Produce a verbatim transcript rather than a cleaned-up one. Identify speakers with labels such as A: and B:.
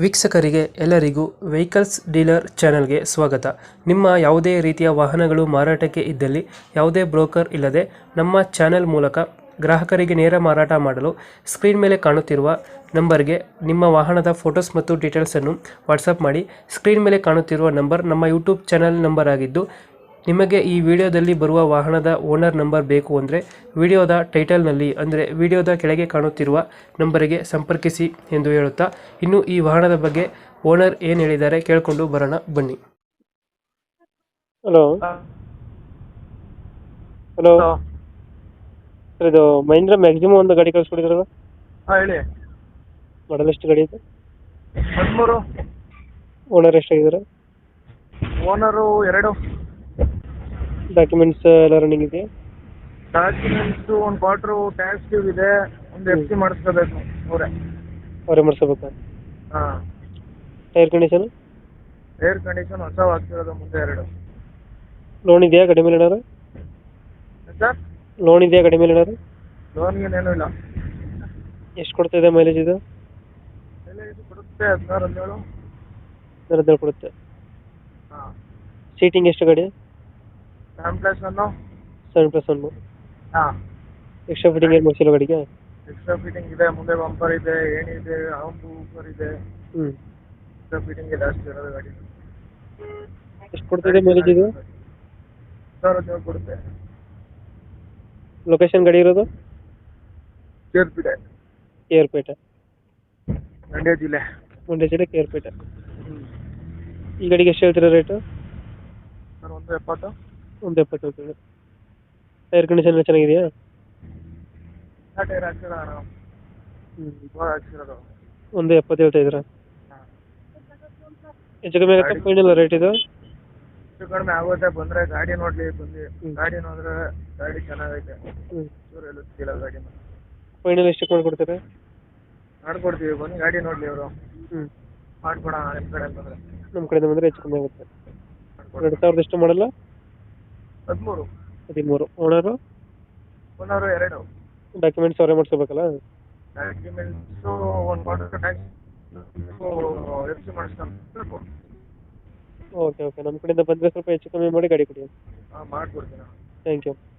A: ವೀಕ್ಷಕರಿಗೆ ಎಲ್ಲರಿಗೂ vehicles dealer ಚಾನೆಲ್ಗೆ ಸ್ವಾಗತ. ನಿಮ್ಮ ಯಾವುದೇ ರೀತಿಯ ವಾಹನಗಳು ಮಾರಾಟಕ್ಕೆ ಇದ್ದಲ್ಲಿ ಯಾವುದೇ ಬ್ರೋಕರ್ ಇಲ್ಲದೆ ನಮ್ಮ ಚಾನೆಲ್ ಮೂಲಕ ಗ್ರಾಹಕರಿಗೆ ನೇರ ಮಾರಾಟ ಮಾಡಲು ಸ್ಕ್ರೀನ್ ಮೇಲೆ ಕಾಣುತ್ತಿರುವ ನಂಬರ್ಗೆ ನಿಮ್ಮ ವಾಹನದ ಫೋಟೋಸ್ ಮತ್ತು ಡೀಟೇಲ್ಸನ್ನು ವಾಟ್ಸಪ್ ಮಾಡಿ. ಸ್ಕ್ರೀನ್ ಮೇಲೆ ಕಾಣುತ್ತಿರುವ ನಂಬರ್ ನಮ್ಮ ಯೂಟ್ಯೂಬ್ ಚಾನೆಲ್ ನಂಬರ್ ಆಗಿದ್ದು, ನಿಮಗೆ ಈ ವಿಡಿಯೋದಲ್ಲಿ ಬರುವ ವಾಹನದ ಓನರ್ ನಂಬರ್ ಬೇಕು ಅಂದರೆ ವಿಡಿಯೋದ ಟೈಟಲ್ನಲ್ಲಿ ಅಂದರೆ ವಿಡಿಯೋದ ಕೆಳಗೆ ಕಾಣುತ್ತಿರುವ ನಂಬರಿಗೆ ಸಂಪರ್ಕಿಸಿ ಎಂದು ಹೇಳುತ್ತಾ, ಇನ್ನು ಈ ವಾಹನದ ಬಗ್ಗೆ ಓನರ್ ಏನು ಹೇಳಿದ್ದಾರೆ ಕೇಳಿಕೊಂಡು ಬರೋಣ ಬನ್ನಿ. ಹಲೋ ಹಲೋ ಸರ್, ಇದು ಮಹೀಂದ್ರ ಮ್ಯಾಕ್ಸಿಮಮ್ ಒಂದು ಗಾಡಿ ಕಳಿಸ್ಕೊಡಿದ್ರಲ್ಲ,
B: ಹಾಂ ಹೇಳಿ.
A: ಮಾಡಲ್ ಎಷ್ಟು ಗಾಡಿ ಇದೆ?
B: ಹದಿಮೂರು.
A: ಓನರ್ ಎಷ್ಟಾಗಿದ್ದಾರೆ?
B: ಓನರು ಎರಡು.
A: ಡಾಕ್ಯುಮೆಂಟ್ಸ್ ಎಲ್ಲ ರನ್ನಿಂಗ್ ಇದೆಯಾ?
B: ಡಾಕ್ಯುಮೆಂಟ್ಸು ಒಂದು ಕ್ವಾರ್ಟ್ರು ಟ್ಯಾಕ್ಸ್ ಡ್ಯೂ ಇದೆ, ಒಂದು ಎಫ್ ಸಿ ಮಾಡಿಸ್ಕೋಬೇಕು ಅವರೇ.
A: ಅವರೇ ಮಾಡಿಸ್ಬೇಕಾ?
B: ಹಾಂ.
A: Tyre condition?
B: ಏರ್ ಕಂಡೀಷನ್ ಹೊಸ ಆಗ್ತಿರೋದು, ಮುಂದೆ ಎರಡು.
A: ಲೋನ್ ಇದೆಯಾ ಗಾಡಿ ಮೇಲೆ ಏನಾರು?
B: ಸರ್,
A: ಲೋನ್ ಇದೆಯಾ ಗಾಡಿ ಮೇಲೆ ಏನಾರು?
B: ಲೋನ್ಗೇನೇನು ಇಲ್ಲ.
A: ಎಷ್ಟು ಕೊಡ್ತಾ ಇದೆ ಮೈಲೇಜ್ ಇದು?
B: ಬೆಲೆ ಇದು ಕೊಡುತ್ತೆ ಹದಿನಾರು ಹದಿನೇಳು.
A: ಹದಿನಾರು ಕೊಡುತ್ತೆ.
B: ಹಾಂ.
A: ಸೀಟಿಂಗ್ ಎಷ್ಟು ಗಾಡಿ?
B: Seven plus one.
A: Seven plus one.
B: ಹಾಂ.
A: ಎಕ್ಸ್ಟ್ರಾ ಫಿಟ್ಟಿಂಗ್ ಏನು ಮಾಡಿಸಿಲ್ಲ ಗಾಡಿಗೆ?
B: ಎಕ್ಸ್ಟ್ರಾ ಫಿಟ್ಟಿಂಗ್ ಇದೆ, ಮುಂದೆ ಬಂಪರ್ ಇದೆ, ಏಣಿ ಇದೆ, ಹಾಂಬು ಊಪರ್ ಇದೆ.
A: ಹ್ಞೂ.
B: ಎಕ್ಸ್ಟ್ರಾ ಫಿಟ್ಟಿಂಗ್ ಇದೆ ಅಷ್ಟು ಇರೋದು ಗಾಡಿ.
A: ಎಷ್ಟು ಕೊಡ್ತಿದೆ ಮೈಲೇಜ್ ಇದು?
B: ಹದಿನಾರು ಹದಿನೇಳು ಕೊಡುತ್ತೆ.
A: ಲೊಕೇಶನ್ ಗಾಡಿ ಇರೋದು?
B: ಕೇರ್ಪೇಟೆ.
A: ಕೇರ್ಪೇಟೆ,
B: ಮಂಡ್ಯ ಜಿಲ್ಲೆ.
A: ಮಂಡ್ಯ ಜಿಲ್ಲೆ ಕೇರ್ಪೇಟೆ. ಈ ಗಾಡಿಗೆ ಎಷ್ಟು ಹೇಳ್ತೀರಾ ರೇಟು?
B: ಸರ್, ಒಂದು ಎಪ್ಪತ್ತು.
A: ಒಂದು ಎಪ್ಪತ್ತು ಹೇಳ್ತೀವಿ. ಟೈರ್ ಕಂಡೀಷನ್ ಎಲ್ಲ ಚೆನ್ನಾಗಿದೆಯಾ?
B: ಆ ಟೈರ್ ಹಾಕ್ಸಿರೋ ನಾವು
A: ಹ್ಞೂ.
B: ಇವಾಗ ಹಾಕ್ಸಿರೋದು.
A: ಒಂದು ಎಪ್ಪತ್ತು ಹೇಳ್ತಾ ಇದ್ದೀರಾ?
B: ಹಾಂ.
A: ಹೆಚ್ಚು ಕಮ್ಮಿ ಆಗುತ್ತೆ ಫೈನಲ್ ರೇಟ್ ಇದು?
B: ಹೆಚ್ಚು ಕಡಿಮೆ ಆಗುತ್ತೆ, ಬಂದರೆ ಗಾಡಿ ನೋಡಲಿ ಬಂದು.
A: ಹ್ಞೂ.
B: ಗಾಡಿ ನೋಡಿದ್ರೆ ಗಾಡಿ ಚೆನ್ನಾಗೈತೆ.
A: ಹ್ಞೂ.
B: ಚೂರು ಎಲ್ಲ ಸಿಕ್ಕಿಲ್ಲ ಗಾಡಿನ.
A: ಫೈನಲ್ ಎಷ್ಟಕ್ಕೆ ಮಾಡಿಕೊಡ್ತಾರೆ?
B: ಮಾಡ್ಕೊಡ್ತೀವಿ, ಬನ್ನಿ ಗಾಡಿ ನೋಡಲಿ ಅವರು.
A: ಹ್ಞೂ.
B: ಮಾಡ್ಕೊಡೋಣ ನಿಮ್ಮ ಕಡೆ ಬಂದರೆ.
A: ನಮ್ಮ ಕಡೆಯಿಂದ ಬಂದರೆ ಹೆಚ್ಚು ಕಮ್ಮಿ ಆಗುತ್ತೆ.
B: ಮಾಡ್ಕೊಡ್ತೀವಿ.
A: ಎರಡು ಸಾವಿರದ ಎಷ್ಟು ಮಾಡಲ್ಲ?
B: ಹದಿಮೂರು.
A: ಹದಿಮೂರು. ಓನರು?
B: ಓನರು ಎರಡು.
A: ಡಾಕ್ಯುಮೆಂಟ್ಸ್ ಅವರೇ ಮಾಡಿಸ್ಕೋಬೇಕಲ್ಲ?
B: ಡಾಕ್ಯುಮೆಂಟ್ಸು ಒಂದು ಕ್ವಾರ್ಟರ್ ಟ್ಯಾಕ್ಸ್ ಎಫ್ ಸಿ ಮಾಡಿಸ್ಕೊಂಡು.
A: ಓಕೆ ಓಕೆ, ನಮ್ಮ ಕಡೆಯಿಂದ ಬಂದರೆ ಸ್ವಲ್ಪ ಹೆಚ್ಚು ಕಮ್ಮಿ ಮಾಡಿ ಗಾಡಿ ಕೊಡಿ.
B: ಹಾಂ, ಮಾಡ್ಕೊಡ್ತೀನಿ.
A: Thank you.